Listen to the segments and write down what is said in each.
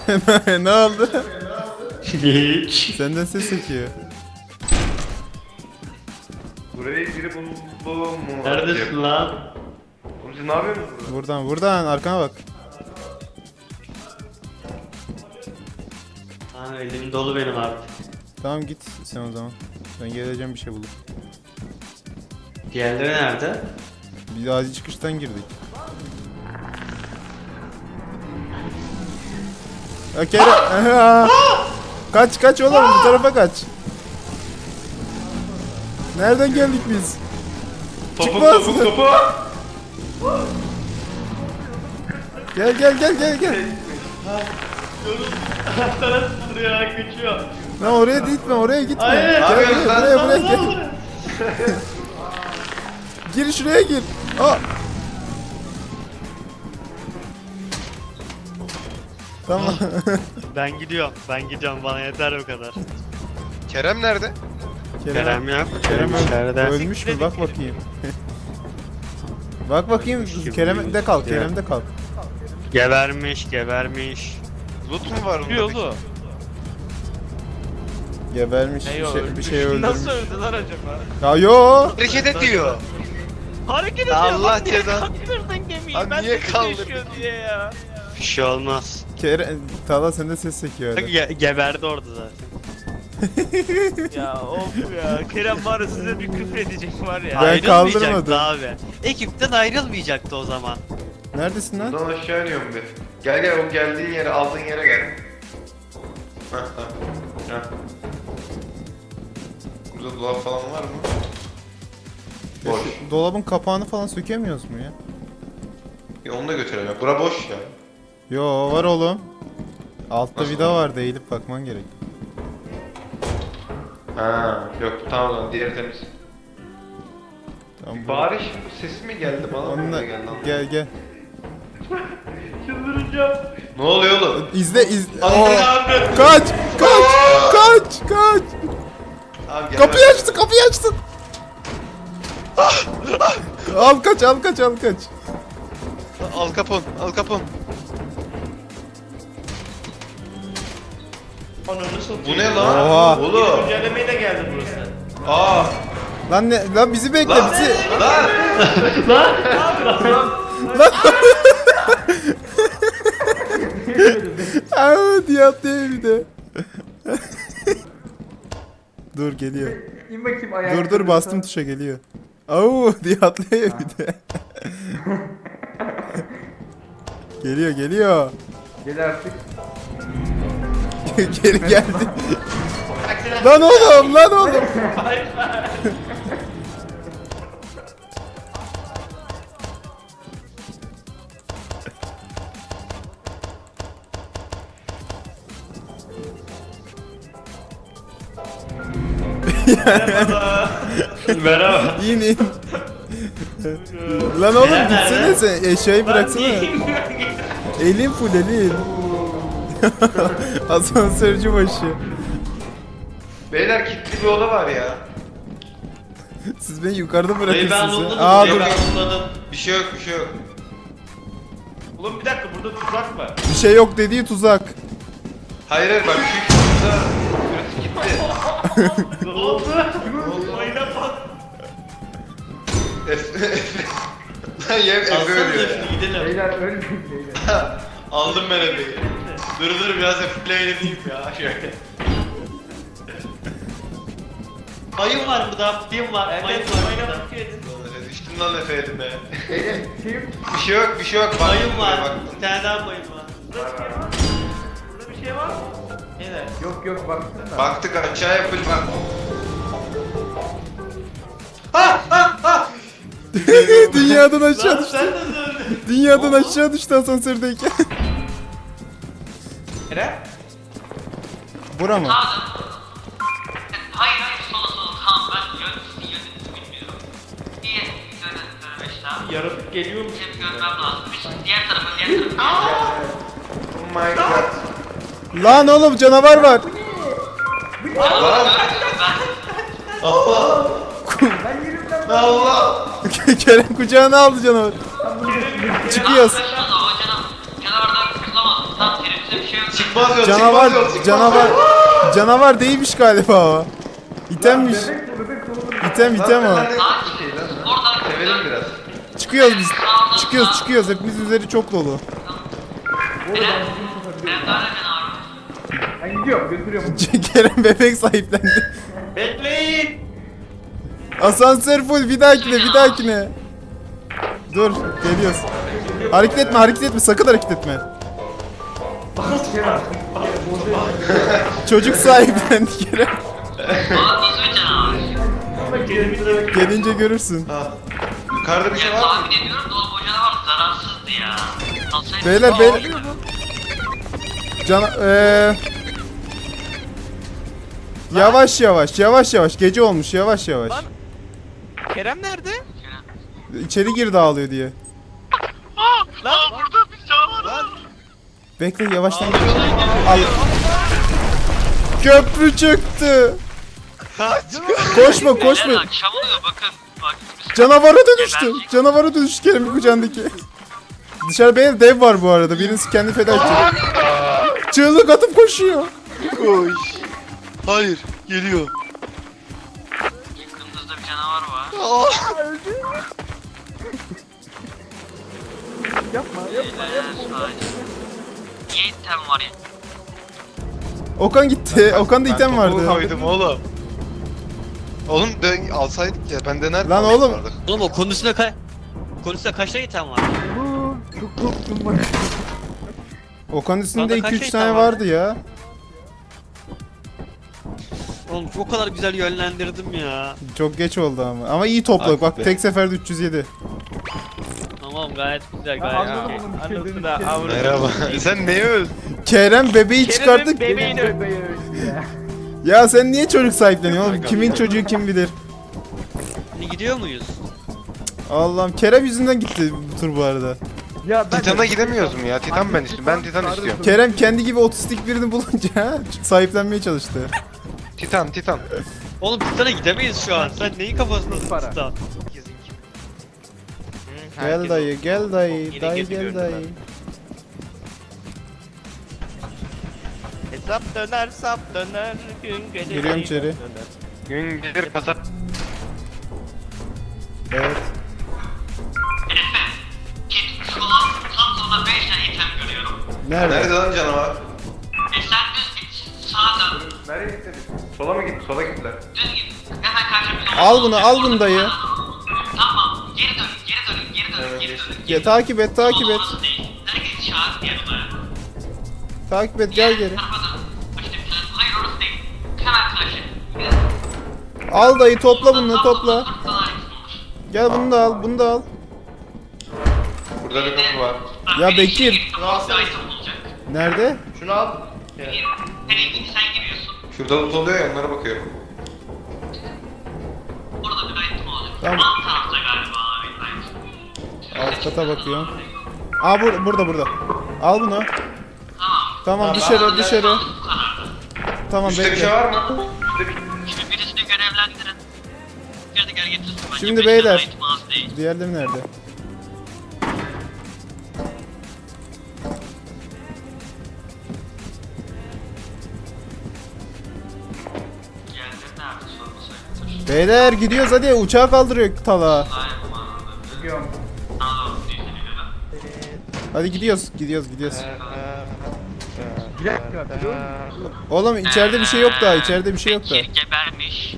Ne oldu? Hiç. Senden ses çekiyor. Burayı biri buldu mu? Neredesin lan? Oğlum siz ne yapıyorsunuz burada? Buradan arkana bak. Ha, elim dolu benim artık. Tamam git sen o zaman. Ben geleceğim bir şey bulup. Diğerleri nerede? Bir de acil çıkıştan girdik. Ya Kerem. Kaç oğlum bu tarafa kaç. Nereden geldik biz? Topuk Çıkmaz. topuk topu. Gel. Sana saldırıyor, kaçıyor. Lan oraya gitme, oraya gitme. Hayır. Gel Ne yapıyorsun buraya lan? gel. Gir şuraya gir. Aa. Tamam. Ben gidiyorum bana yeter bu kadar. Kerem nerede? Kerem yok. Kerem içeride. ölmüş mü? Bak bakayım. Bak bakayım. Kerem'de kal. Kerem'de kal. Gebermiş. Loot mu var onda? Yolu. Gebermiş. Bir şey öldürmüş. Nasıl öldüler acaba? Ya yo. Hareket ediyor. Hareket ediyor. Allah bak niye cezanı. kaldırdın gemiyi? Abi Ben niye de kaldırdın? düşüyor diye ya. Bir şey olmaz. Tala sende ses çekiyor öyle. Geberdi orada zaten. Ya of ya. Kerem var ya size bir küfredecek var ya. Ben Ayrılmayacaktı kaldırmadım. abi. Ekipten ayrılmayacaktı o zaman. Neredesin lan? Buradan aşağı iniyorum bir. Gel o geldiğin yere aldığın yere gel. Heh tamam. Heh. Burada dolap falan var mı? Boş. Dolabın kapağını falan sökemiyoruz mu ya? Ya onu da götürelim. Bura boş ya. Yo var oğlum. Altta Nasıl vida var? var, eğilip bakman gerek. Ha yok tamam lan diğeri temiz. Tamam, bu- Bari sesi mi geldi bana mı Onunla öyle geldi anlamadım. gel. Çıldıracağım. Ne oluyor oğlum? İzle. Ananı Oo. abi. Kaç. Abi gel Kapıyı bak. açtı. Al kaç. Al kapon. Ananı satayım. Bu ne lan? Oha. Oğlum. Güncellemeye de geldi burası. Aa. Lan bizi bekle Lan. bizi. Lan. Aa diye atlıyor bir de. Dur geliyor. İn bakayım ayağa. Dur bastım tuşa geliyor. Au diye atlıyor bir de. Geliyor. Gel artık. Geri geldi. Lan oğlum. Merhaba. İn. Lan oğlum Kerem gitsene nerede? sen eşyayı bıraksana. Elin full elin. Asansörcü başı. Beyler kilitli bir oda var ya. Siz beni yukarıda Dayı ben bırakırsınız anladım. ya. Aa Dayı dur. ben anladım. Bir şey yok. Oğlum bir dakika burada tuzak var. Bir şey yok dediği tuzak. Hayır bak şu burada burası gitti. Ne oldu? Mayına bak. Lan yem Efe Alsana ölüyor ya. da gidelim. Beyler ölmeyin beyler. Aldım ben Efe'yi. Dur biraz Efe'yle eğleneyim ya şöyle. Mayın var burada, film var. Mayın Evet, var mayına burada. bak edin. Düştüm lan Efe'ye be. Beyler Bir şey yok. Bak, Mayın var. bak. Bir tane daha mayın var. Burada bir şey var. Evet. yok baktım da. Baktık aşağı yapış bak. Dünyadan aşağı Lan düştü. sen de öldün. Dünyadan aşağı düştü asansördeyken. Kerem? Bura mı? Hayır sola tamam ben yönetimi bilmiyorum. Bir yönetim daha. Yaratık geliyormuş. Hep görmem lazım. Diğer tarafa. Oh my god. Lan oğlum canavar var. Lan. Allah. Allah. Kerem kucağına aldı canavar. Çıkıyoruz. O canavardan kurtulamaz. Tam teröriste bir şey yok. Çıkmaz yol, Canavar, çıkmaz yol, çıkmaz canavar, yol. canavar değilmiş galiba o. İtemmiş. İtem o. Lan ne bir şey lan. Sevelim biraz. Çıkıyoruz biz. Çıkıyoruz. Hepimiz üzeri çok dolu. Ben gidiyorum götürüyorum. Kerem bebek sahiplendi. Bekleyin. Asansör full, bir dahakine. Dur, geliyoruz. Hareket etme, sakın hareket etme. Çocuk sahiplendi Kerem. Aa nasıl bir canavar? Gelince görürsün. Ha. Yukarıda bir şey Ya var mı? tahmin ediyorum da oğlum o canavar zararsızdı ya. Alsaydı Beyler. Yavaş. Gece olmuş, yavaş. Lan. Kerem nerede? İçeri gir dağılıyor diye. Lan. Burada bir canavar var. Bekle, yavaştan gir. Al. Köprü çıktı. Koşma. Beyler akşam oluyor bakın. Bak. Canavara dönüştü Kerem'in kucağındaki. Dışarı benim dev var bu arada. Birisi kendi feda edecek. Çığlık atıp koşuyor. Koş. Hayır. Geliyor. Yakınınızda bir canavar var. Yapma. Niye item var ya? Okan gitti. Okan'da item topuğu vardı. koydum oğlum. Oğlum alsaydık ya ben denerdim. Lan oğlum. Oğlum o konusunda kaç tane item var? Çok korktum bak. Okan'ın üstünde Bana kaç 2-3 şey tane var? vardı ya. Oğlum o kadar güzel yönlendirdim ya. Çok geç oldu ama. Ama iyi topladık. Bak be. tek seferde 307. Tamam gayet güzel Anladım gayet. bunun bir şey Anladım dediğini. da avradım. Merhaba. Sen neye öldün? Kerem bebeği çıkarttık. Bebeğini Ya sen niye çocuk sahipleniyorsun oğlum? Kimin çocuğu kim bilir. Şimdi gidiyor muyuz? Allah'ım, Kerem yüzünden gitti bu tur bu arada. Ya ben Titan'a gidemiyoruz mu ya? Titan ben istiyorum. Ben Titan istiyorum. Kerem kendi gibi otistik birini bulunca sahiplenmeye çalıştı. Titan. Oğlum Titan'a gidemeyiz şu an. Sen neyin kafasındasın Para. Titan? Gel dayı, gel dayı, Yine dayı gezi gel gördüm dayı. Hesap döner sap döner gün gelir. Giriyorum içeri. Gün gelir kasap. Evet. Şu an tam sonra 5 tane item görüyorum. Nerede? Nerede lan canavar? Sen düz git. Sağa dön. Nereye gitti? Sola mı gitti? Sola gittiler. Düz git. Hemen karşımıza. Al bunu dayı. Tamam. Geri dön. Ya, takip et. Orası değil. Herkes çağır diye numara. Takip et, gel geri. Tarafa dön. İşte hayır orası değil. Hemen karşı. Al dayı, topla bunu, topla. Sana gitmiş. Gel bunu da al. Burada bir kapı var. Ya Bekir. Rahatsız olacak. Nerede? Şunu al. Nereye sen giriyorsun. Şurada loot oluyor ya, onlara bakıyorum. Orada bir item olacak. Tamam. Alt tarafta galiba abi. Alt kata bakıyorum. Aa burada. Al bunu. Tamam, dışarı. Bu karardı. Tamam, Üstte bir şey bekle. var mı? Üstte bir... Şimdi birisini görevlendirin. Gel getirsin. Bence Şimdi beş beyler. tane item az değil. Diğerleri nerede? Diğerleri nerede sormasaydı. Beyler gidiyoruz hadi, uçağı kaldırıyor tala. Gidiyorum. Hadi gidiyoruz. Bir dakika. Oğlum içeride bir şey yok daha, içeride bir şey yok da. Bekir gebermiş.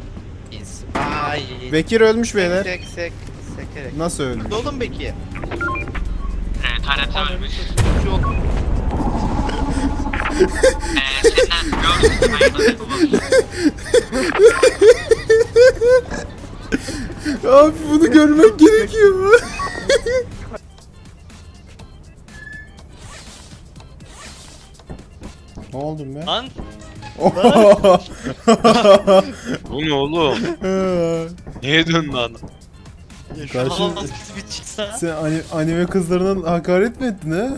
Bekir ölmüş beyler. Nasıl ölmüş? Oğlum Bekir. Evet harita ölmüş. Senden gördüm. Hayırlı Abi bunu görmek gerekiyor. Ne oldu be? Lan Bu ne oğlum? Niye döndün lan? şu Karşı- an nasıl bir çıksa. Sen anime kızlarına hakaret mi ettin ha?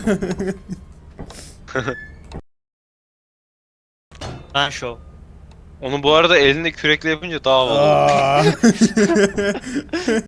Ben şov. Onu bu arada elinde kürekle yapınca daha havalı. Aa.